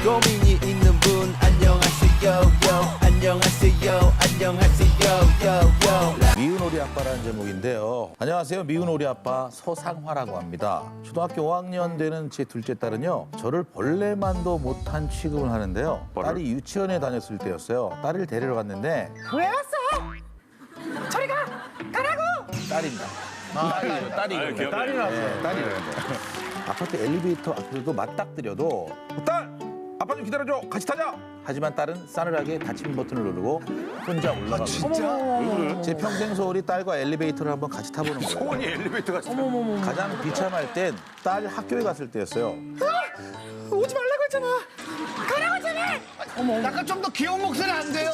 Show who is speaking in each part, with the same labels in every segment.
Speaker 1: 고민이 있는 분 안녕하세요 요 안녕하세요 안녕하세요 요
Speaker 2: 미운 우리 아빠라는 제목인데요. 안녕하세요. 미운 우리 아빠 서상화라고 합니다. 초등학교 5학년 되는 제 둘째 딸은요. 저를 벌레만도 못한 취급을 하는데요. 딸이 유치원에 다녔을 때였어요. 딸을 데리러 갔는데
Speaker 3: 왜 왔어? 저리 가! 가라고!
Speaker 2: 딸입니다. 딸이거든요.
Speaker 4: 딸이라고.
Speaker 2: 네, 딸이래요. 아파트 엘리베이터 앞에서도 맞닥뜨려도 딸! 아빠 좀 기다려줘. 같이 타자. 하지만 딸은 싸늘하게 닫힌 버튼을 누르고 혼자 올라가고
Speaker 4: 진짜?
Speaker 2: 제 평생 소원이 딸과 엘리베이터를 한번 같이 타보는 거예요.
Speaker 4: 소원이 엘리베이터가 진짜.
Speaker 2: 가장 비참할 땐 딸 학교에 갔을 때였어요.
Speaker 3: 오지 말라고 했잖아! 가라고 했잖아!
Speaker 4: 약간 좀 더 귀여운 목소리 안 돼요?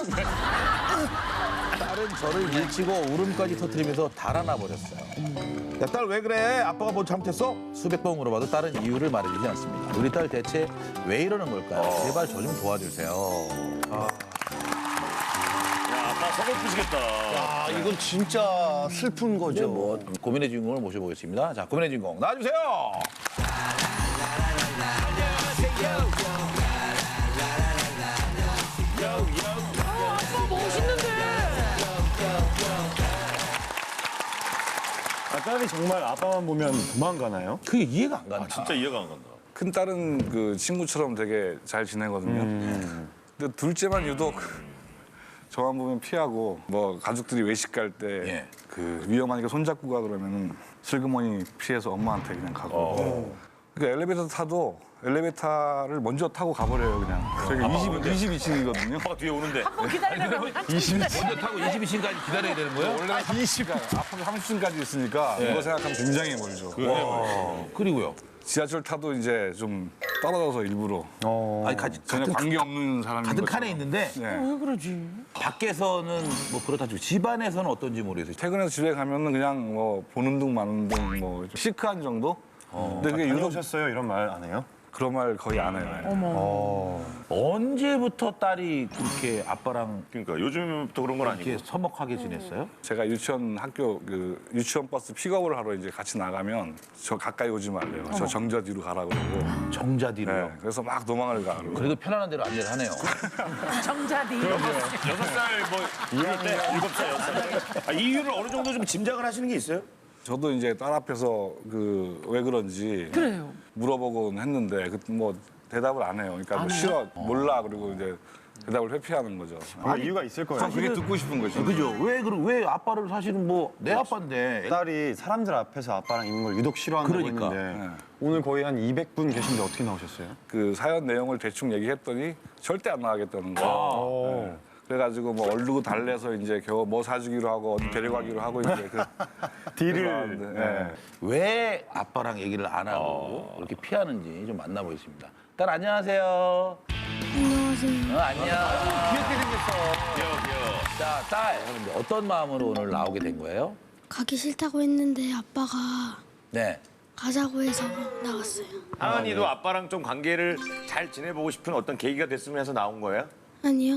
Speaker 2: 딸은 저를 밀치고 울음까지 터뜨리면서 달아나 버렸어요. 야, 딸 왜 그래? 아빠가 뭐 잘못했어? 수백 번 물어봐도 딸은 이유를 말해주지 않습니다. 우리 딸 대체 왜 이러는 걸까요? 제발 저 좀 도와주세요.
Speaker 5: 야, 아빠 서글프시겠다.
Speaker 4: 아, 이건 진짜 슬픈 거죠.
Speaker 2: 뭐 고민의 주인공을 모셔보겠습니다. 자, 고민의 주인공 나와주세요.
Speaker 6: 딸이 정말 아빠만 보면 도망가나요?
Speaker 2: 그게 이해가 안 간다.
Speaker 5: 진짜 이해가 안 간다.
Speaker 7: 큰 딸은 그 친구처럼 되게 잘 지내거든요. 근데 둘째만 유독 저만 보면 피하고 뭐 가족들이 외식 갈 때 그
Speaker 2: 예.
Speaker 7: 위험하니까 손잡고 가 그러면은 슬그머니 피해서 엄마한테 그냥 가고. 그러니까 엘리베이터 타도 엘리베이터를 먼저 타고 가버려요 그냥. 저희가 22층이거든요.
Speaker 5: 아빠가 뒤에 오는데.
Speaker 3: 한번 기다리라고
Speaker 2: 먼저 타고 22층까지 기다려야 되는 거예요?
Speaker 7: 원래 20가 앞으로 30층까지 있으니까 이거 생각하면 굉장히 멀죠.
Speaker 2: 그리고요.
Speaker 7: 지하철 타도 이제 좀 떨어져서 일부러
Speaker 2: 아니,
Speaker 7: 전혀 관계 없는 사람인
Speaker 2: 같은
Speaker 7: 것처럼.
Speaker 2: 칸에 있는데
Speaker 7: 네.
Speaker 3: 왜 그러지?
Speaker 2: 밖에서는 뭐 그렇다 치고 집안에서는 어떤지 모르겠어요.
Speaker 7: 퇴근해서 집에 가면은 그냥 뭐 보는 둥 마는 둥뭐 시크한 정도? 근데 그게 유독
Speaker 6: 다녀오셨어요? 이런 말 안 해요?
Speaker 7: 그런 말 거의 안 해요.
Speaker 2: 언제부터 딸이 그렇게 아빠랑
Speaker 5: 그러니까 요즘부터 그런 건
Speaker 2: 이렇게
Speaker 5: 아니고.
Speaker 2: 서먹하게 지냈어요?
Speaker 7: 제가 유치원 학교 그 유치원 버스 픽업을 하러 이제 같이 나가면 저 가까이 오지 말래요. 저 정자 뒤로 가라고 그러고.
Speaker 2: 정자 뒤로요.
Speaker 7: 네, 그래서 막 도망을 가.
Speaker 2: 그래도 편안한 대로 안내를 하네요.
Speaker 3: 정자디.
Speaker 5: 6살 뭐 이럴 때 7살, 6살. 아, 이유를 어느 정도 좀 짐작을 하시는 게 있어요?
Speaker 7: 저도 이제 딸 앞에서 그 왜 그런지
Speaker 3: 그래요.
Speaker 7: 물어보곤 했는데 그 뭐 대답을 안 해요. 그러니까 뭐 싫어, 몰라 그리고 이제 대답을 회피하는 거죠.
Speaker 6: 아, 이유가 있을 거예요.
Speaker 7: 그게 듣고 싶은 거죠.
Speaker 2: 그죠? 왜 아빠를 사실은 뭐 내 아빠인데
Speaker 6: 딸이 사람들 앞에서 아빠랑 있는 걸 유독 싫어한다고
Speaker 2: 그러니까.
Speaker 6: 했는데
Speaker 7: 네.
Speaker 6: 오늘 거의 한 200분 계신데 어떻게 나오셨어요?
Speaker 7: 그 사연 내용을 대충 얘기했더니 절대 안 나가겠다는 거예요. 네. 그래가지고 뭐 얼르고 달래서 이제 겨우 뭐 사주기로 하고 어디 데려가기로 하고 이제 그
Speaker 6: 딜을.
Speaker 7: 네.
Speaker 2: 왜 아빠랑 얘기를 안 하고 이렇게 피하는지 좀 만나보겠습니다. 딸 안녕하세요.
Speaker 8: 안녕하세요.
Speaker 2: 안녕.
Speaker 5: 귀여워, 귀여워.
Speaker 2: 자, 딸 이제 어떤 마음으로 오늘 나오게 된 거예요?
Speaker 8: 가기 싫다고 했는데 아빠가
Speaker 2: 네.
Speaker 8: 가자고 해서 나왔어요.
Speaker 5: 하은이도 아빠랑 좀 관계를 잘 지내보고 싶은 어떤 계기가 됐으면 해서 나온 거예요?
Speaker 8: 아니요.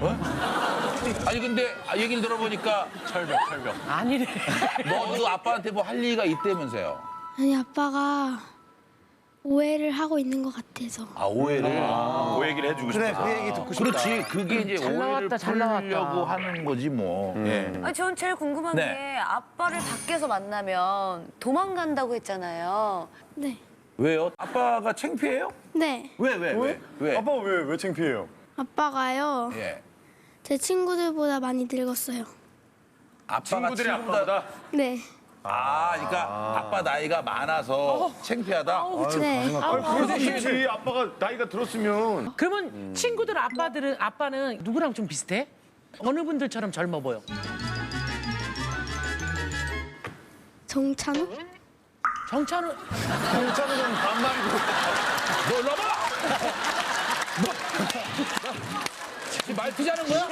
Speaker 2: 아니 근데 얘기를 들어보니까 철벽.
Speaker 3: 아니래.
Speaker 2: 너도 아빠한테 뭐 할 얘기가 있다면서요?
Speaker 8: 아니 아빠가 오해를 하고 있는 것 같아서.
Speaker 2: 아 오해를.
Speaker 5: 그 얘기를 해주고 싶어서.
Speaker 4: 그 얘기 듣고 싶다.
Speaker 2: 그렇지. 그게 이제
Speaker 3: 잘
Speaker 2: 오해를
Speaker 3: 나왔다, 잘 나왔다.
Speaker 2: 풀려고 하는 거지 뭐. 예.
Speaker 9: 아니, 전 제일 궁금한
Speaker 2: 네.
Speaker 9: 게 아빠를 밖에서 만나면 도망간다고 했잖아요.
Speaker 8: 네.
Speaker 2: 왜요? 아빠가 창피해요?
Speaker 8: 네.
Speaker 2: 왜?
Speaker 6: 아빠 왜 창피해요?
Speaker 8: 아빠가요.
Speaker 2: 예.
Speaker 8: 제 친구들보다 많이 늙었어요.
Speaker 2: 아빠가
Speaker 5: 친구들이 아빠보다?
Speaker 8: 네.
Speaker 2: 아, 그러니까 아빠 나이가 많아서 창피하다.
Speaker 8: 네.
Speaker 4: 그래서 쉽지. 아빠가 나이가 들었으면.
Speaker 3: 그러면 친구들 아빠는 누구랑 좀 비슷해? 어느 분들처럼 젊어 보여?
Speaker 8: 정찬우?
Speaker 3: 정찬우.
Speaker 4: 괜찮으면 반말이고.
Speaker 2: 너 일로 와봐! 지금 말 피자는 거야?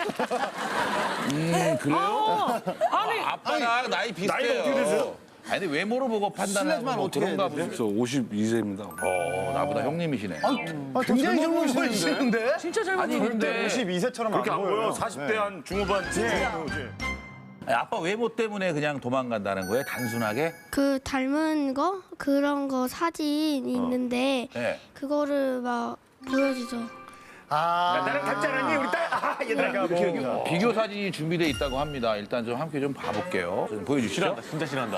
Speaker 2: 그래요?
Speaker 3: 아니,
Speaker 2: 아빠랑 나이 비슷해요.
Speaker 4: 나이가 어떻게 되세요?
Speaker 2: 아니, 근데 외모로 보고 판단하면 뭐
Speaker 4: 어떻게
Speaker 2: 그런가
Speaker 4: 해야
Speaker 2: 보지.
Speaker 7: 저 52세입니다.
Speaker 2: 나보다 형님이시네.
Speaker 4: 굉장히 젊어 보이시는데?
Speaker 3: 진짜 젊어
Speaker 2: 아니,
Speaker 3: 보여.
Speaker 2: 근데
Speaker 6: 52세처럼
Speaker 4: 그렇게 안 보여.
Speaker 6: 보여요.
Speaker 4: 40대 한 중후반.
Speaker 2: 아니, 아빠 외모 때문에 그냥 도망간다는 거예요? 단순하게?
Speaker 8: 그 닮은 거 그런 거 사진 있는데
Speaker 2: 네.
Speaker 8: 그거를 막 보여주죠.
Speaker 5: 나랑 닮지 않았니? 우리 딸? 얘들아. 이렇게
Speaker 2: 비교 사진이 준비되어 있다고 합니다. 일단 좀 함께 좀 봐볼게요. 좀 보여주시죠.
Speaker 4: 진짜 신난다.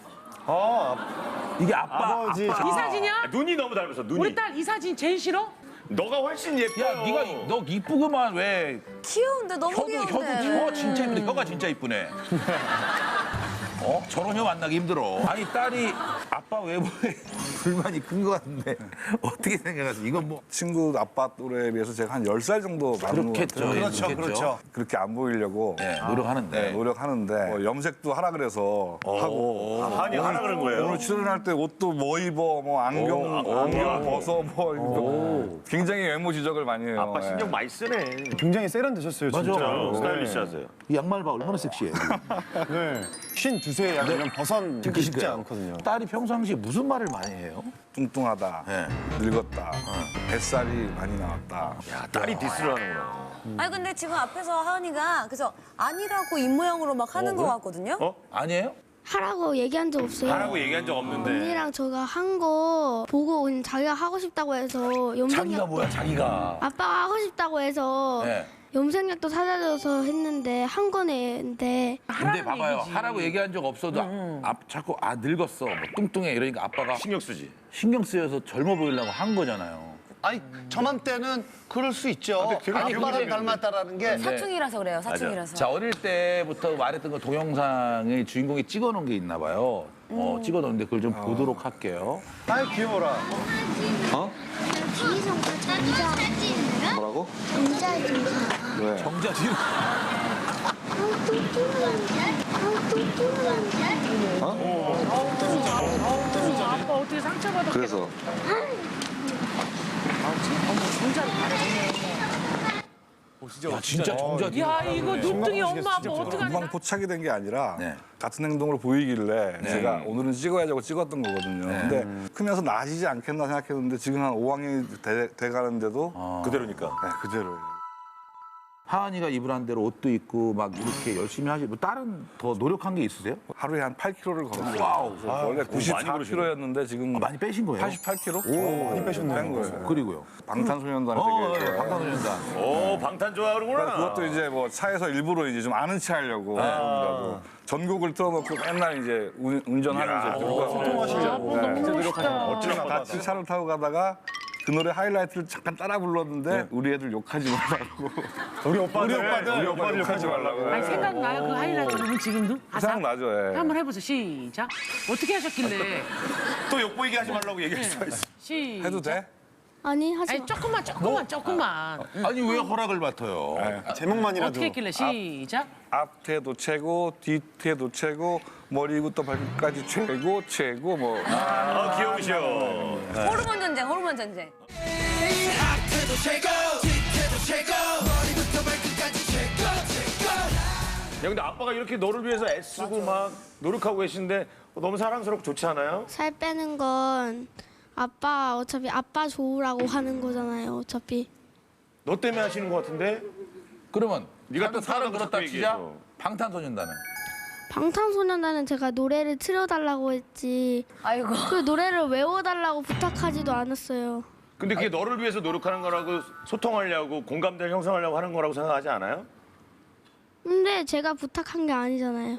Speaker 2: 이게 아빠.
Speaker 6: 아버지.
Speaker 3: 이 사진이야?
Speaker 5: 눈이 너무 닮았어, 눈이.
Speaker 3: 우리 딸 이 사진 제일 싫어?
Speaker 5: 너가 훨씬 예뻐.
Speaker 2: 야, 네가 너 이쁘구만 왜?
Speaker 9: 귀여운데 너무
Speaker 2: 혀도
Speaker 9: 귀여운데.
Speaker 2: 혀 진짜 이쁜데 혀가 진짜 이쁘네. 저런 혀 만나기 힘들어. 아니 딸이 아빠 외모에 불만이 큰 것 같은데 어떻게 생각하세요? 이건 뭐
Speaker 7: 친구 아빠 또래에 비해서 제가 한 10살 정도 많은 것
Speaker 2: 그렇겠죠.
Speaker 7: 같아요.
Speaker 2: 그렇죠, 그렇죠.
Speaker 7: 그렇게 안 보이려고
Speaker 2: 네, 노력하는데.
Speaker 7: 노력하는데 뭐 염색도 하라 그래서 하고
Speaker 5: 아니, 하라 그런 거예요?
Speaker 7: 오늘 출연할 때 옷도 뭐 입어 뭐 안경 벗어 뭐 이거 굉장히 외모 지적을 많이 해요.
Speaker 5: 아빠 신경
Speaker 7: 예.
Speaker 5: 많이 쓰네.
Speaker 6: 굉장히 세련되셨어요, 진짜.
Speaker 5: 스타일리시하세요.
Speaker 2: 이 양말 봐 얼마나 섹시해.
Speaker 6: 네. 52세 약간 벗은 듣기 쉽지
Speaker 2: 거예요.
Speaker 6: 않거든요.
Speaker 2: 딸이 평상시에 무슨 말을 많이 해요?
Speaker 7: 뚱뚱하다,
Speaker 2: 네.
Speaker 7: 늙었다, 뱃살이 많이 나왔다.
Speaker 5: 야, 딸이 디스를 하는구나.
Speaker 9: 아니 근데 지금 앞에서 하은이가 그래서 아니라고 입모양으로 막 하는 것 같거든요.
Speaker 2: 아니에요?
Speaker 8: 하라고 얘기한 적 없어요.
Speaker 5: 하라고 얘기한 적 없는데.
Speaker 8: 언니랑 저가 한 거 보고 그냥 자기가 하고 싶다고 해서
Speaker 2: 자기가
Speaker 8: 염색약
Speaker 2: 뭐야 자기가.
Speaker 8: 아빠가 하고 싶다고 해서
Speaker 2: 네.
Speaker 8: 염색약도 사다 줘서 했는데 한 거는데
Speaker 2: 근데 봐봐요.
Speaker 3: 얘기지.
Speaker 2: 하라고 얘기한 적 없어도 자꾸 늙었어, 뭐 뚱뚱해 이러니까 아빠가
Speaker 5: 신경 쓰지.
Speaker 2: 신경 쓰여서 젊어 보이려고 한 거잖아요.
Speaker 10: 아니 저맘때는 그럴 수 있죠. 아빠를 닮았다라는 게
Speaker 9: 사춘기라서 그래요. 사춘기라서.
Speaker 2: 자 어릴 때부터 말했던 거 동영상에 주인공이 찍어놓은 게 있나 봐요. 찍어놓은데 그걸 좀 보도록 할게요.
Speaker 6: 아이, 귀여워라.
Speaker 7: 뭐라고?
Speaker 8: 정자 좀
Speaker 7: 왜?
Speaker 2: 정자 뒤로.
Speaker 3: 아빠 어떻게 상처받았겠어?
Speaker 7: 그래서
Speaker 2: 야 진짜 정자 뒤로.
Speaker 3: 야 이거 눈등이 엄마 아빠 어떡하냐?
Speaker 7: 금방 포착이 된 게 아니라
Speaker 2: 네.
Speaker 7: 같은 행동을 보이길래 제가 오늘은 찍어야지 찍었던 거거든요. 근데 크면서 나아지지 않겠나 생각했는데 지금 한 5학년이 돼가는데도
Speaker 5: 그대로니까.
Speaker 7: 네, 그대로예요.
Speaker 2: 하은이가 입으란 대로 옷도 입고 막 이렇게 열심히 하시. 뭐 다른 더 노력한 게 있으세요?
Speaker 7: 하루에 한 8kg를 걸었어요.
Speaker 2: 와우.
Speaker 7: 원래
Speaker 5: 많이
Speaker 7: 94kg였는데 지금
Speaker 2: 많이 빼신 거예요?
Speaker 7: 88kg? 오, 많이 빼셨네요. 뺀 거예요.
Speaker 2: 그리고요.
Speaker 7: 방탄소년단에 되게
Speaker 2: 방탄소년단.
Speaker 5: 오, 방탄 좋아하는구나.
Speaker 7: 그것도 이제 뭐 차에서 일부러 이제 좀 아는 체 하려고 그러더라고. 전곡을 틀어놓고 맨날 이제 운전하면서
Speaker 3: 소통하시려고. 너무 멋있다.
Speaker 5: 어찌나
Speaker 7: 같이 차를 타고 가다가 그 노래 하이라이트를 잠깐 따라 불렀는데 우리 애들 욕하지 말라고.
Speaker 6: 우리 오빠들
Speaker 7: 욕하지 말라고.
Speaker 3: 아니 생각나요 그 하이라이트 부분 지금도?
Speaker 7: 생각나죠. 예.
Speaker 3: 한번 해보세요. 시작. 어떻게 하셨길래?
Speaker 5: 또 욕보이게 하지 말라고 얘기했어.
Speaker 3: 시작.
Speaker 7: 해도 돼?
Speaker 8: 아니 하지
Speaker 3: 아니
Speaker 8: 마.
Speaker 3: 조금만.
Speaker 2: 아니 왜 허락을 맡아요?
Speaker 6: 제목만이라도.
Speaker 3: 어떻게 했길래 시작.
Speaker 7: 앞태도 최고, 뒤태도 최고, 머리부터 발끝까지 최고 뭐.
Speaker 5: 귀여우셔.
Speaker 9: 호르몬 전쟁, 호르몬 전쟁.
Speaker 1: 앞에도 최고 뒤태도 최고 머리부터 발끝까지 최고.
Speaker 5: 야, 근데 아빠가 이렇게 너를 위해서 애쓰고 막 노력하고 계신데 너무 사랑스럽고 좋지 않아요?
Speaker 8: 살 빼는 건 아빠 어차피 아빠 좋으라고 하는 거잖아요. 어차피
Speaker 5: 너 때문에 하시는 것 같은데?
Speaker 2: 그러면
Speaker 5: 네가
Speaker 2: 네가
Speaker 5: 또
Speaker 2: 살은
Speaker 5: 사람을
Speaker 2: 그렇다
Speaker 5: 자꾸
Speaker 2: 치자.
Speaker 5: 얘기해서.
Speaker 2: 방탄소년단은
Speaker 8: 방탄소년단은 제가 노래를 틀어달라고 했지
Speaker 9: 아이고.
Speaker 8: 그 노래를 외워달라고 부탁하지도 않았어요.
Speaker 5: 근데 그게 너를 위해서 노력하는 거라고 소통하려고 공감대를 형성하려고 하는 거라고 생각하지 않아요?
Speaker 8: 근데 제가 부탁한 게 아니잖아요.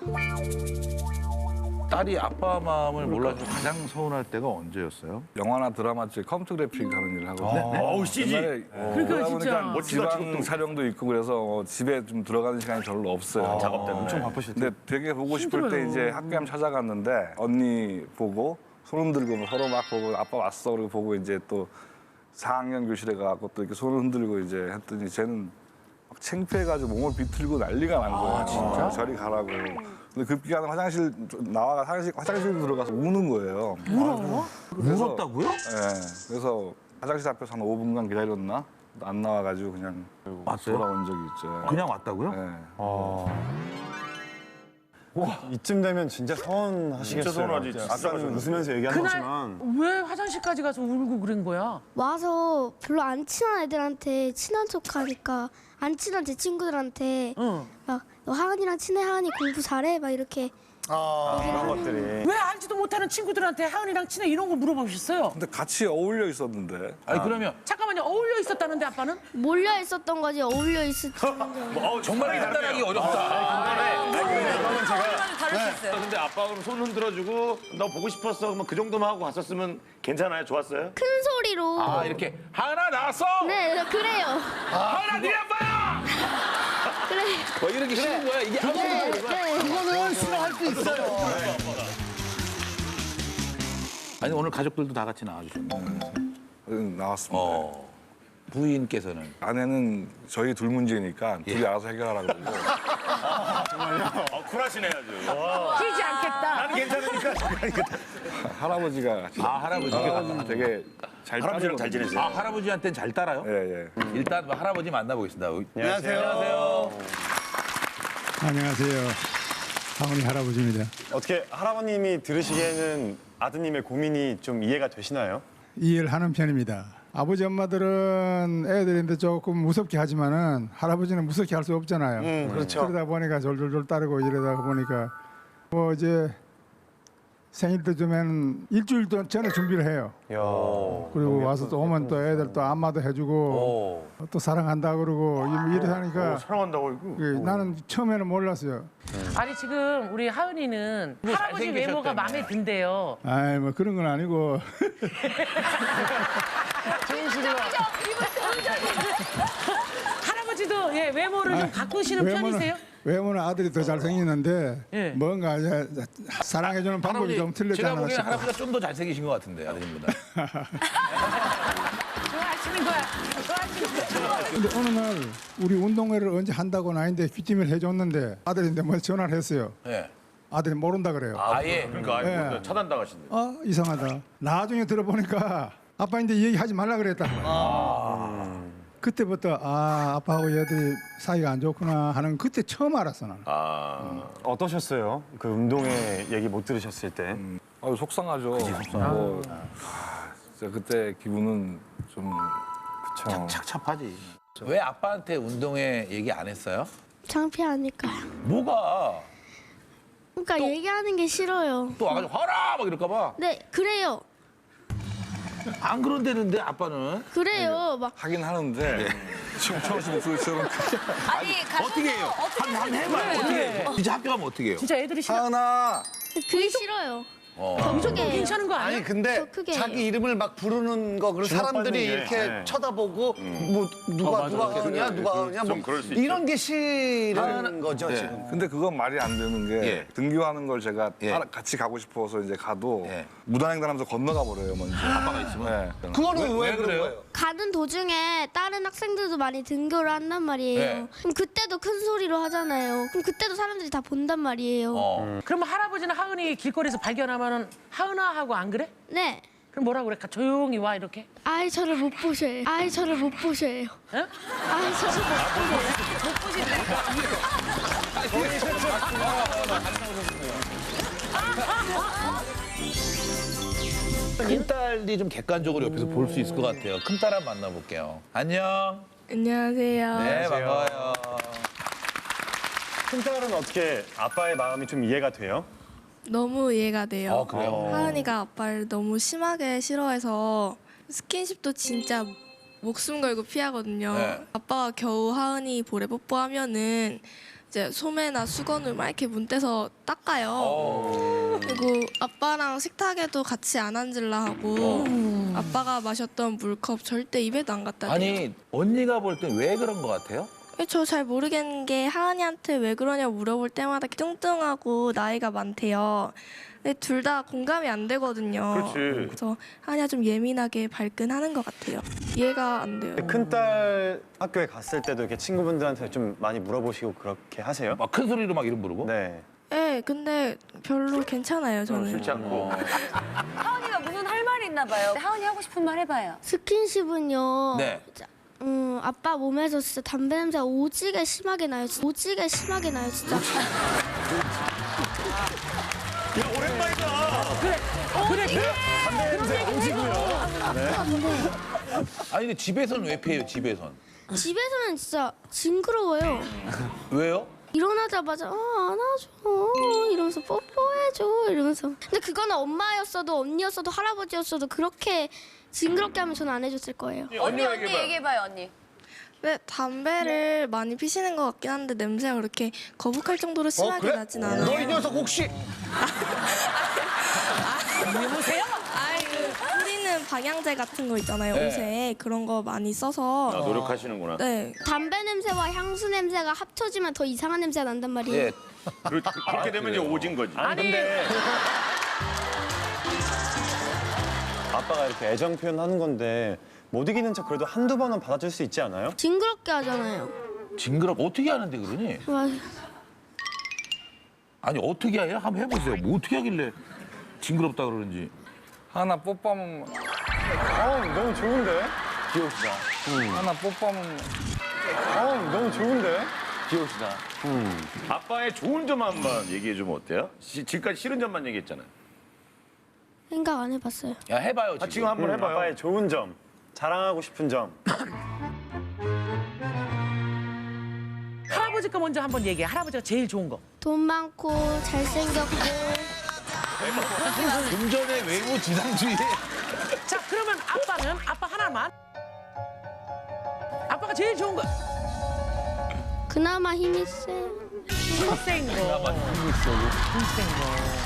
Speaker 2: 딸이 아빠 마음을 몰라서 가장 서운할 때가 언제였어요?
Speaker 7: 영화나 드라마 쪽에 컴퓨터 그래픽 하는 일을 하거든요.
Speaker 5: 어우, CG.
Speaker 7: 옛날에
Speaker 3: 그러니까
Speaker 7: 그러다
Speaker 3: 진짜.
Speaker 7: 보니까
Speaker 5: 멋지다,
Speaker 7: 지방
Speaker 5: 지금도.
Speaker 7: 촬영도 있고 그래서 집에 좀 들어가는 시간이 별로 없어요.
Speaker 5: 작업 때문에.
Speaker 6: 엄청 바쁘실 때.
Speaker 7: 근데 되게 보고 싶을 때 이제 학교에 찾아갔는데 언니 보고 손 흔들고 서로 막 보고 아빠 왔어 그러고 보고 이제 또 4학년 교실에 가고 또 이렇게 손을 흔들고 이제 했더니 쟤는 막 창피해가지고 몸을 비틀고 난리가 난 거예요. 진짜? 저리 가라고. 근데 급기야는 화장실 나와가 화장실 들어가서 우는 거예요.
Speaker 2: 울었다고요?
Speaker 7: 네. 그래서 화장실 앞에서 한 5분간 기다렸나? 안 나와가지고 그냥
Speaker 2: 왔어요?
Speaker 7: 돌아온 적이 있죠.
Speaker 2: 그냥 왔다고요?
Speaker 7: 네.
Speaker 6: 이쯤 되면 진짜 서운하시겠어요.
Speaker 5: 진짜 서운하지.
Speaker 6: 아까는 웃으면서 얘기한
Speaker 3: 그날
Speaker 6: 거지만.
Speaker 3: 왜 화장실까지 가서 울고 그런 거야?
Speaker 8: 와서 별로 안 친한 애들한테 친한 척하니까 안 친한 제 친구들한테
Speaker 3: 응.
Speaker 8: 막 너 하은이랑 친해 하은이 공부 잘해 막 이렇게
Speaker 6: 그런 것들이.
Speaker 3: 왜 알지도 못하는 친구들한테 하은이랑 친해 이런 거 물어보셨어요?
Speaker 7: 근데 같이 어울려 있었는데.
Speaker 2: 아니 그러면
Speaker 3: 잠깐만요. 어울려 있었다는데 아빠는?
Speaker 8: 몰려 있었던 거지 어울려 있었지.
Speaker 2: 정말 판단하기 어렵다.
Speaker 6: 그러면 제가
Speaker 9: 다를 수 있어요.
Speaker 5: 근데 아빠 그럼 손 흔들어주고 너 보고 싶었어. 그러면 그 정도만 하고 갔었으면 괜찮아요? 좋았어요?
Speaker 8: 큰 소리로.
Speaker 2: 아 이렇게 하은아 나왔어.
Speaker 8: 네, 그래요.
Speaker 2: 하은아 네 아빠야.
Speaker 8: 그래.
Speaker 2: 뭐 이렇게 쉬는 거야 이게 아무것도
Speaker 8: 네,
Speaker 2: 모르고.
Speaker 8: 네.
Speaker 10: 그거는 싫어할 수 있어요.
Speaker 2: 아니 오늘 가족들도 다 같이 나와주셨네.
Speaker 7: 나왔습니다.
Speaker 2: 부인께서는
Speaker 7: 아내는 저희 둘 문제니까 둘이 알아서 해결하라고 그러고.
Speaker 5: 쿨하시네 아주.
Speaker 3: 끼지 않겠다.
Speaker 5: 나는 괜찮으니까.
Speaker 7: 할아버지가
Speaker 2: 할아버지가
Speaker 7: 되게 잘
Speaker 5: 할아버지랑 잘 지내세요?
Speaker 2: 아 할아버지한테는 잘 따라요?
Speaker 7: 예, 예.
Speaker 2: 일단 할아버지 만나보겠습니다.
Speaker 10: 안녕하세요.
Speaker 11: 안녕하세요. 하은이 할아버지입니다.
Speaker 6: 어떻게 할아버님이 들으시기에는 아드님의 고민이 좀 이해가 되시나요?
Speaker 11: 이해를 하는 편입니다. 아버지 엄마들은 애들인데 조금 무섭게 하지만은 할아버지는 무섭게 할 수 없잖아요.
Speaker 10: 그렇죠.
Speaker 11: 그러다 보니까 졸졸졸 따르고 이러다 보니까 뭐 이제 생일 때쯤에는 일주일 전에 준비를 해요. 그리고 와서 또 오면 또 애들 또 안마도 해주고 또 사랑한다 그러고 이래 하니까
Speaker 5: 사랑한다고 이거.
Speaker 11: 나는 처음에는 몰랐어요.
Speaker 3: 아니 지금 우리 하은이는 할아버지 외모가 마음에 든대요.
Speaker 11: 아이 뭐 그런 건 아니고
Speaker 3: 할아버지도 예, 외모를 좀 가꾸시는 편이세요?
Speaker 11: 외모는 아들이 더 잘생겼는데
Speaker 3: 예.
Speaker 11: 뭔가 이제 사랑해주는 방법이 좀
Speaker 2: 제가
Speaker 11: 틀렸잖아.
Speaker 2: 보기에는 할아버지가 좀 더 잘생기신 것 같은데 아드님보다.
Speaker 3: 좋아하시는 거야. 좋아하시는 거야.
Speaker 11: 근데 어느 날 우리 운동회를 언제 한다고 나인데 귀띔을 해줬는데 아들인데 뭐 전화를 했어요.
Speaker 2: 네.
Speaker 11: 아들이 모른다 그래요.
Speaker 2: 아예.
Speaker 5: 그러니까 아니,
Speaker 11: 예.
Speaker 5: 차단당하신대.
Speaker 11: 아 이상하다. 나중에 들어보니까 아빠인데 이 얘기 하지 말라 그랬다. 그때부터 아 아빠하고 얘들이 사이가 안 좋구나 하는 그때 처음 알았어 나는.
Speaker 6: 어떠셨어요? 그 운동회 얘기 못 들으셨을 때?
Speaker 7: 속상하죠. 뭐, 진짜 그때 기분은 좀
Speaker 2: 착잡하지. 왜 아빠한테 운동회 얘기 안 했어요?
Speaker 8: 창피하니까요.
Speaker 2: 뭐가?
Speaker 8: 그러니까 얘기하는 게 싫어요.
Speaker 2: 또 와가지고 화라 막 이럴까 봐.
Speaker 8: 네, 그래요.
Speaker 2: 안 그런다는데 아빠는.
Speaker 8: 그래요. 막
Speaker 7: 하긴 하는데 지금 처음 목소리처럼
Speaker 9: 아니,
Speaker 2: 어떻게 해요? 한번 해봐요. 어떻게 해요? 진짜 학교 가면 어떻게 해요?
Speaker 3: 진짜 애들이 싫어.
Speaker 7: 하나
Speaker 8: 그게 싫어요.
Speaker 3: 이 정도 괜찮은 거 아니야?
Speaker 10: 아니 근데
Speaker 8: 더 크게
Speaker 10: 자기 이름을 막 부르는 거 그리고 사람들이
Speaker 6: 게,
Speaker 10: 이렇게
Speaker 6: 네.
Speaker 10: 쳐다보고 뭐 누가 하느냐 누가 하느냐 뭐
Speaker 5: 그럴 수
Speaker 10: 이런 게 싫은 거죠
Speaker 2: 네.
Speaker 10: 지금.
Speaker 7: 근데 그건 말이 안 되는 게
Speaker 2: 예.
Speaker 7: 등교하는 걸 제가
Speaker 2: 예.
Speaker 7: 같이 가고 싶어서 이제 가도
Speaker 2: 예.
Speaker 7: 무단횡단하면서 건너가 버려요 먼저.
Speaker 2: 아빠가 있으면.
Speaker 7: 네.
Speaker 10: 그거는 왜
Speaker 2: 왜
Speaker 10: 그런
Speaker 2: 그래요?
Speaker 10: 거예요?
Speaker 8: 가는 도중에 다른 학생들도 많이 등교를 한단 말이에요.
Speaker 2: 네.
Speaker 8: 그럼 그때도 큰 소리로 하잖아요. 그럼 그때도 사람들이 다 본단 말이에요.
Speaker 3: 그러면 할아버지는 하은이 길거리에서 발견하면은 하은아 하고 안 그래?
Speaker 8: 네.
Speaker 3: 그럼 뭐라고 그래? 조용히 와 이렇게?
Speaker 8: 아이 저를 못 보셔요. 아이 저를 못 보셔요.
Speaker 3: 어?
Speaker 8: 아이 저를 못 보셔요.
Speaker 2: 큰딸이 좀 객관적으로 옆에서 볼 수 있을 것 같아요. 큰딸 한번 만나볼게요. 안녕.
Speaker 8: 안녕하세요.
Speaker 2: 네, 반가워요.
Speaker 6: 큰딸은 어떻게 아빠의 마음이 좀 이해가 돼요?
Speaker 12: 너무 이해가 돼요.
Speaker 2: 그래요?
Speaker 12: 하은이가 아빠를 너무 심하게 싫어해서 스킨십도 진짜 목숨 걸고 피하거든요.
Speaker 2: 네.
Speaker 12: 아빠가 겨우 하은이 볼에 뽀뽀하면은 이제 소매나 수건을 막 이렇게 문대서 닦아요. 그리고 아빠랑 식탁에도 같이 안 앉으려 하고 아빠가 마셨던 물컵 절대 입에도 안 갖다 대요.
Speaker 2: 아니, 언니가 볼 땐 왜 그런 것 같아요?
Speaker 12: 저 잘 모르겠는 게 하은이한테 왜 그러냐 물어볼 때마다 뚱뚱하고 나이가 많대요. 근데 둘 다 공감이 안 되거든요.
Speaker 5: 그렇지.
Speaker 12: 그래서 하은이가 좀 예민하게 발끈하는 것 같아요. 이해가 안 돼요.
Speaker 6: 큰딸 학교에 갔을 때도 이렇게 친구분들한테 좀 많이 물어보시고 그렇게 하세요?
Speaker 2: 막 큰 소리로 막 이름 부르고?
Speaker 6: 네.
Speaker 12: 네, 근데 별로 괜찮아요, 저는.
Speaker 5: 싫지 않고.
Speaker 9: 하은이가 무슨 할 말이 있나 봐요. 하은이 하고 싶은 말 해봐요.
Speaker 8: 스킨십은요.
Speaker 2: 네.
Speaker 8: 아빠 몸에서 진짜 담배 냄새가 오지게 심하게 나요. 오지게 심하게 나요, 진짜.
Speaker 2: 아니, 근데 집에서는 왜 피해요, 집에선?
Speaker 8: 집에서는 진짜 징그러워요.
Speaker 2: 왜요?
Speaker 8: 일어나자마자 안아줘 이러면서 뽀뽀해줘 이러면서. 근데 그거는 엄마였어도 언니였어도 할아버지였어도 그렇게 징그럽게 하면 저는 안 해줬을 거예요.
Speaker 9: 언니 얘기해봐요 언니.
Speaker 12: 왜 담배를 많이 피시는 것 같긴 한데 냄새가 그렇게 거북할 정도로 심하게 나진 않아요.
Speaker 10: 너 이 녀석 혹시
Speaker 3: 여보세요?
Speaker 12: 아이 그 뿌리는 방향제 같은 거 있잖아요. 옷에 그런 거 많이 써서.
Speaker 5: 노력하시는구나.
Speaker 12: 네.
Speaker 8: 담배 냄새와 향수 냄새가 합쳐지면 더 이상한 냄새가 난단 말이에요.
Speaker 2: 예.
Speaker 5: 그렇게 되면 이제 오진 거지.
Speaker 6: 근데 아빠가 이렇게 애정 표현하는 건데 못 이기는 척 그래도 한두 번은 받아줄 수 있지 않아요?
Speaker 8: 징그럽게 하잖아요.
Speaker 2: 어떻게 하는데 그러니?
Speaker 8: 맞아.
Speaker 2: 아니 어떻게 해요? 한번 해보세요. 뭐 어떻게 하길래 징그럽다 그러는지.
Speaker 7: 하나 뽀뽀하면
Speaker 6: 너무 좋은데?
Speaker 2: 귀여우시다.
Speaker 7: 하나 뽀뽀하면
Speaker 6: 너무 좋은데?
Speaker 2: 귀여우시다.
Speaker 5: 아빠의 좋은 점 한번 얘기해 주면 어때요? 지금까지 싫은 점만 얘기했잖아요.
Speaker 8: 생각 안 해봤어요.
Speaker 2: 야 해봐요 지금.
Speaker 5: 지금 한번 해봐요.
Speaker 6: 아빠의 좋은 점, 자랑하고 싶은 점.
Speaker 3: 할아버지 거 먼저 한번 얘기해. 할아버지가 제일 좋은 거.
Speaker 8: 돈 많고 잘생겼고.
Speaker 2: 금전의 외모 지상주의.
Speaker 3: 자, 그러면 아빠 하나만. 아빠가 제일 좋은 거.
Speaker 8: 그나마 힘이 세요.
Speaker 3: 힘센 거. 힘센 거.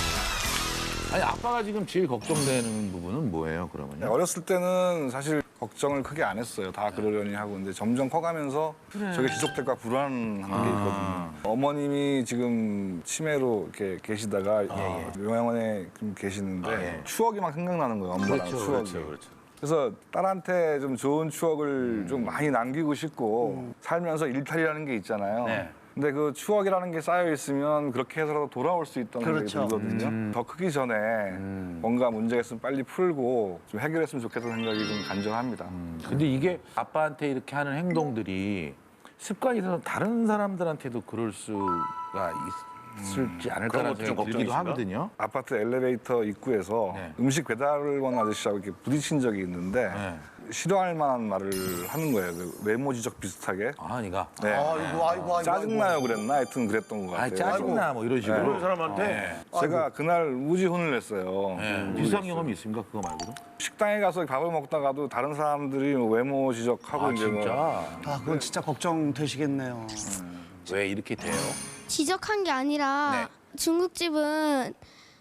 Speaker 2: 아니 아빠가 지금 제일 걱정되는 부분은 뭐예요 그러면요?
Speaker 7: 어렸을 때는 사실 걱정을 크게 안 했어요. 다 그러려니 하고. 근데 점점 커가면서 저게 지속될까 불안한 게 있거든요. 어머님이 지금 치매로 이렇게 계시다가 요양원에 좀 계시는데 추억이 막 생각나는 거예요. 엄마랑 추억이. 그래서 딸한테 좀 좋은 추억을 좀 많이 남기고 싶고 살면서 일탈이라는 게 있잖아요. 근데 그 추억이라는 게 쌓여 있으면 그렇게 해서라도 돌아올 수 있다는 생각이 들거든요. 더 크기 전에 뭔가 문제가 있으면 빨리 풀고 좀 해결했으면 좋겠다는 생각이 좀 간절합니다.
Speaker 2: 근데 이게 아빠한테 이렇게 하는 행동들이 습관이 있어서 다른 사람들한테도 그럴 수가 있을지 않을까라는
Speaker 5: 것도 좀
Speaker 2: 생각이 들기도
Speaker 5: 걱정이신가?
Speaker 2: 하거든요.
Speaker 7: 아파트 엘리베이터 입구에서 음식 배달을 온 아저씨하고 이렇게 부딪힌 적이 있는데 싫어할 만한 말을 하는 거예요. 그 외모 지적 비슷하게.
Speaker 2: 아니가.
Speaker 7: 네.
Speaker 10: 아이고.
Speaker 7: 짜증나요 그랬나? 하여튼 그랬던 것 같아요.
Speaker 2: 짜증나 뭐 이런 식으로.
Speaker 5: 그런 사람한테
Speaker 7: 제가 그날 우지 혼을 냈어요.
Speaker 2: 비슷한 경험이 있습니까 그거 말고도?
Speaker 7: 식당에 가서 밥을 먹다가도 다른 사람들이 뭐 외모 지적하고 이제 뭐
Speaker 2: 진짜?
Speaker 10: 그건 진짜 걱정되시겠네요.
Speaker 2: 왜 이렇게 돼요?
Speaker 8: 지적한 게 아니라 중국집은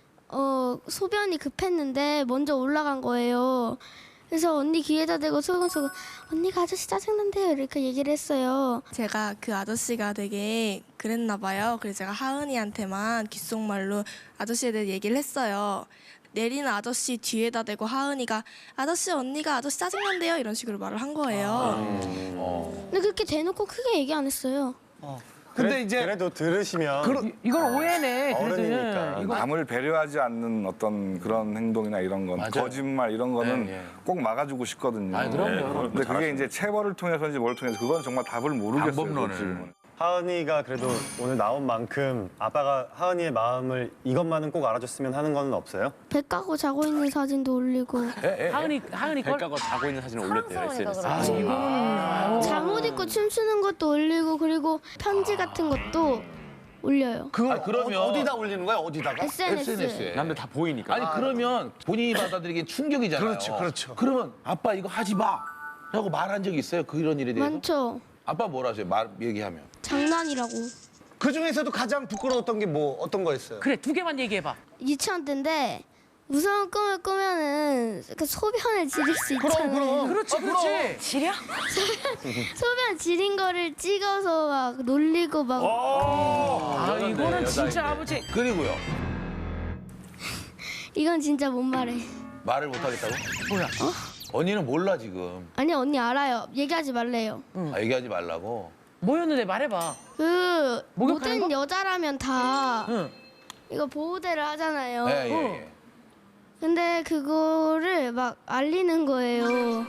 Speaker 8: 소변이 급했는데 먼저 올라간 거예요. 그래서 언니 귀에다 대고 소곤소곤 언니가 아저씨 짜증난대요 이렇게 얘기를 했어요.
Speaker 12: 제가 그 아저씨가 되게 그랬나 봐요. 그래서 제가 하은이한테만 귓속말로 아저씨에 대해 얘기를 했어요. 내리는 아저씨 뒤에다 대고 하은이가 아저씨 언니가 아저씨 짜증난대요 이런 식으로 말을 한 거예요.
Speaker 8: 근데 그렇게 대놓고 크게 얘기 안 했어요.
Speaker 10: 근데 이제
Speaker 6: 그래도 들으시면
Speaker 3: 이건 오해네.
Speaker 6: 어른이니까.
Speaker 7: 남을 배려하지 않는 어떤 그런 행동이나 이런 건
Speaker 2: 맞아요.
Speaker 7: 거짓말 이런 거는
Speaker 2: 예.
Speaker 7: 꼭 막아주고 싶거든요.
Speaker 2: 그럼요.
Speaker 7: 근데 그게 이제 체벌을 통해서인지 뭘 통해서 그건 정말 답을 모르겠어요.
Speaker 2: 방법론을.
Speaker 7: 지금은.
Speaker 6: 하은이가 그래도 오늘 나온 만큼 아빠가 하은이의 마음을 이것만은 꼭 알아줬으면 하는 건 없어요?
Speaker 8: 배 까고 자고 있는 사진도 올리고
Speaker 3: 하은이 걸.
Speaker 5: 자고 있는 사진을 올렸대요 SNS.
Speaker 8: 잠옷 입고 춤추는 것도 올리고 그리고 편지 같은 것도 올려요.
Speaker 2: 그러면
Speaker 10: 어디다 올리는 거야? 어디다가?
Speaker 8: SNS에.
Speaker 5: 남들 다 보이니까.
Speaker 2: 아니 그러면 본인이 받아들이기엔 충격이잖아요.
Speaker 10: 그렇죠.
Speaker 2: 그러면 아빠 이거 하지 마. 라고 말한 적 있어요? 그런 일에 대해서?
Speaker 8: 많죠.
Speaker 2: 아빠 뭐라 하세요? 얘기하면.
Speaker 8: 장난이라고.
Speaker 10: 그 중에서도 가장 부끄러웠던 게 뭐 어떤 거였어요?
Speaker 3: 그래, 두 개만 얘기해봐.
Speaker 8: 유치원 때인데 무서운 꿈을 꾸면은 그 소변을 지릴 수 있잖아요.
Speaker 3: 그렇지. 지려?
Speaker 8: 소변 지린 거를 찍어서 막 놀리고 막
Speaker 3: 이거는 진짜 아버지.
Speaker 2: 그리고요.
Speaker 8: 이건 진짜 못 말해.
Speaker 2: 말을 못하겠다고? 뭐야? 언니는 몰라 지금.
Speaker 8: 아니 언니 알아요. 얘기하지 말래요.
Speaker 2: 얘기하지 말라고.
Speaker 3: 뭐였는데 말해봐.
Speaker 8: 그
Speaker 3: 목욕하는
Speaker 8: 모든 여자라면 다
Speaker 3: 응.
Speaker 8: 이거 보호대를 하잖아요.
Speaker 2: 예.
Speaker 8: 근데 그거를 막 알리는 거예요.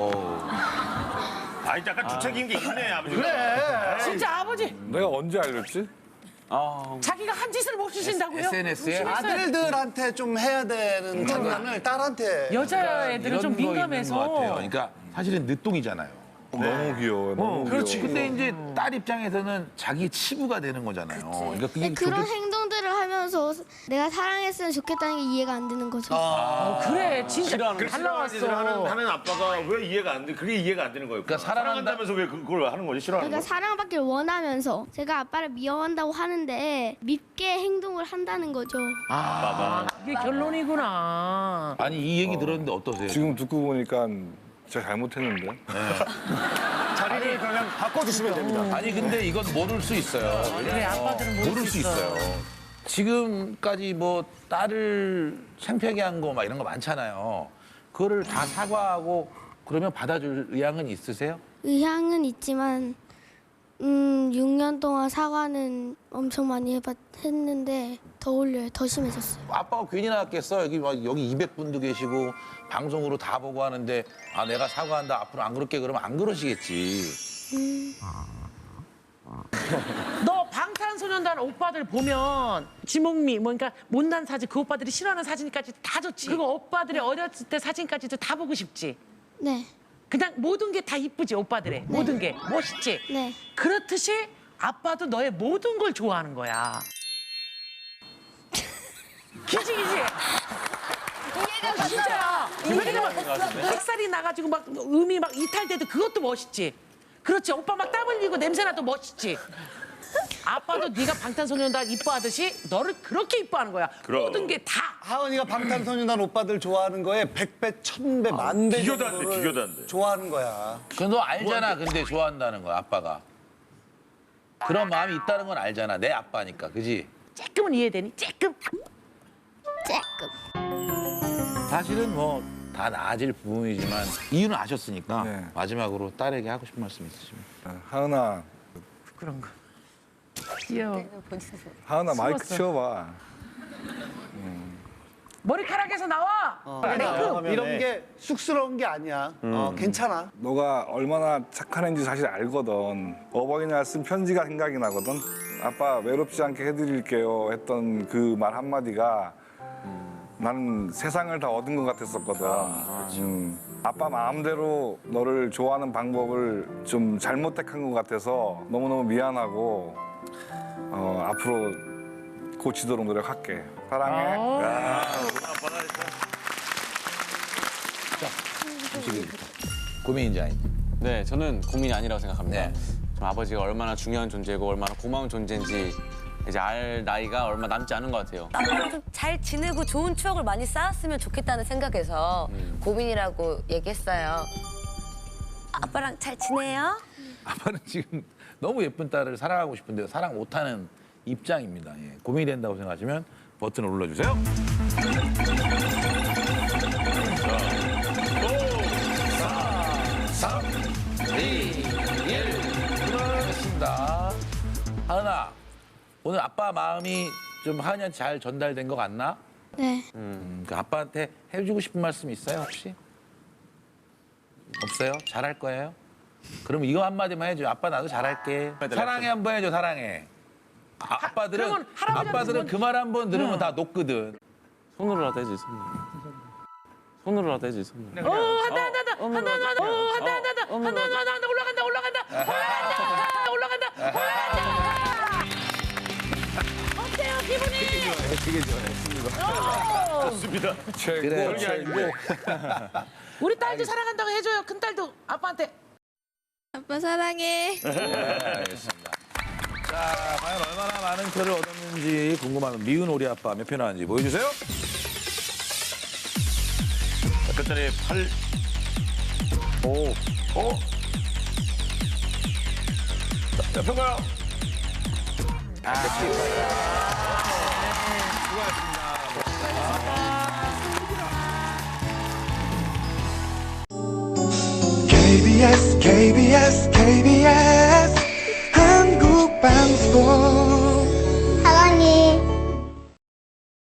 Speaker 5: 아니 약간 주책인 게 있네 아버지가.
Speaker 3: 진짜 아버지.
Speaker 7: 내가 언제 알렸지?
Speaker 3: 자기가 한 짓을 못 주신다고요?
Speaker 2: SNS에
Speaker 10: 아들들한테 좀 해야 되는 장난을 딸한테.
Speaker 3: 여자애들은 좀
Speaker 2: 이런 거 있는 것 같아요.
Speaker 3: 민감해서.
Speaker 2: 그러니까 사실은 늦둥이잖아요.
Speaker 7: 너무 귀여워요. 너무
Speaker 2: 그렇지.
Speaker 7: 귀여워.
Speaker 2: 근데 이제 딸 입장에서는 자기 치부가 되는 거잖아요. 그러니까 그게
Speaker 8: 그런 행동들을 하면서 내가 사랑했으면 좋겠다는 게 이해가 안 되는 거죠.
Speaker 3: 그래 진짜 잘
Speaker 5: 짓을
Speaker 3: 나왔어.
Speaker 5: 하는 아빠가 왜 이해가 안 돼? 그게 이해가 안 되는 거예요.
Speaker 2: 그러니까
Speaker 5: 사랑한다면서 왜 그걸 하는 거지? 싫어하는
Speaker 8: 그러니까
Speaker 5: 거?
Speaker 8: 사랑받기를 원하면서 제가 아빠를 미워한다고 하는데 밉게 행동을 한다는 거죠.
Speaker 3: 이게 결론이구나.
Speaker 2: 아니 이 얘기 들었는데 어떠세요?
Speaker 7: 지금 듣고 보니까 제가 잘못했는데.
Speaker 6: 자리를 그냥 바꿔주시면 됩니다.
Speaker 2: 아니 근데 이건 모를 수 있어요.
Speaker 3: 그래 아빠들은
Speaker 2: 모를 수 있어요. 지금까지 뭐 딸을 창피하게 한 거 막 이런 거 많잖아요. 그거를 다 사과하고 그러면 받아줄 의향은 있으세요?
Speaker 8: 의향은 있지만 6년 동안 사과는 엄청 많이 했는데 더 올려요. 더 심해졌어요.
Speaker 2: 아빠가 괜히 나왔겠어. 여기 200분도 계시고 방송으로 다 보고 하는데 아 내가 사과한다. 앞으로 안 그럴게 그러면 안 그러시겠지.
Speaker 3: 너 방탄소년단 오빠들 보면 지목미 뭐 그러니까 못난 사진 그 오빠들이 싫어하는 사진까지 다 줬지. 그거 오빠들이 어렸을 때 사진까지도 다 보고 싶지.
Speaker 8: 네.
Speaker 3: 그냥 모든 게 다 이쁘지 오빠들의 모든 게 멋있지.
Speaker 8: 네.
Speaker 3: 그렇듯이 아빠도 너의 모든 걸 좋아하는 거야. 기지. 진짜야. 왜냐면 흑살이 나가지고 막 음이 막 이탈돼도 그것도 멋있지. 그렇지. 오빠 막 땀 흘리고 냄새나도 멋있지. 아빠도 네가 방탄소년단 이뻐하듯이 너를 그렇게 이뻐하는 거야.
Speaker 5: 그럼.
Speaker 3: 모든 게 다.
Speaker 10: 하은이가 방탄소년단 오빠들 좋아하는 거에 100배, 1000배, 만배
Speaker 5: 비교도 안 돼, 비교도 안 돼.
Speaker 10: 좋아하는 거야.
Speaker 2: 너 알잖아. 근데 좋아한다는 거야 아빠가. 그런 마음이 있다는 건 알잖아. 내 아빠니까. 그지?
Speaker 3: 조금은 이해되니? 조금.
Speaker 2: 사실은 뭐 다 나아질 부분이지만 이유는 아셨으니까
Speaker 7: 네.
Speaker 2: 마지막으로 딸에게 하고 싶은 말씀 있으시면.
Speaker 7: 하은아,
Speaker 3: 그런 거. 귀여워.
Speaker 7: 하은아 마이크
Speaker 3: 숨었어.
Speaker 7: 치워봐.
Speaker 3: 머리카락에서 나와.
Speaker 10: 이런 게 쑥스러운 게 아니야. 괜찮아.
Speaker 7: 너가 얼마나 착한 애인지 사실 알거든. 어버이날 쓴 편지가 생각이 나거든. 아빠 외롭지 않게 해드릴게요 했던 그 말 한마디가 나는 세상을 다 얻은 것 같았었거든. 아빠 마음대로 너를 좋아하는 방법을 좀 잘못 택한 것 같아서 너무너무 미안하고 앞으로 고치도록 노력할게. 사랑해.
Speaker 2: 고민인지 아닌지.
Speaker 13: 네, 저는 고민이 아니라고 생각합니다.
Speaker 2: 네.
Speaker 13: 좀 아버지가 얼마나 중요한 존재고 얼마나 고마운 존재인지 이제 알 나이가 얼마 남지 않은 것 같아요.
Speaker 9: 아빠랑 좀 잘 지내고 좋은 추억을 많이 쌓았으면 좋겠다는 생각에서 고민이라고 얘기했어요. 아빠랑 잘 지내요?
Speaker 2: 아빠는 지금 너무 예쁜 딸을 사랑하고 싶은데 사랑 못하는 입장입니다. 예. 고민이 된다고 생각하시면 버튼을 눌러주세요. 5, 4, 3, 2, 1. 끝났습니다. 하은아, 오늘 아빠 마음이 좀 하은이한테 잘 전달된 것 같나?
Speaker 8: 네.
Speaker 2: 그 아빠한테 해주고 싶은 말씀 있어요, 혹시? 없어요? 잘할 거예요? 그럼 이거 한마디만 해줘. 아빠 나도 잘할게. 사랑해 한번 해줘, 사랑해.
Speaker 3: 그러면 할아버지한테
Speaker 2: 아빠들은 그 말 한 번 들으면 다 녹거든.
Speaker 13: 손으로라도 해지, 손으로. 손으로라도 해지, 손으로.
Speaker 3: 한다. 올라간다. 어때요, 기분이?
Speaker 2: 되게 좋아요.
Speaker 5: 좋습니다.
Speaker 2: 그래, 최고.
Speaker 3: 우리 딸도 사랑한다고 해줘요. 큰 딸도 아빠한테.
Speaker 12: 아빠 사랑해.
Speaker 2: 알겠습니다. 자, 과연 얼마나 많은 표를 얻었는지 궁금한 미운 우리 아빠 몇 표 나왔는지 보여주세요.
Speaker 5: 끝자리 8, 5, 5. 몇 표가요?
Speaker 1: KBS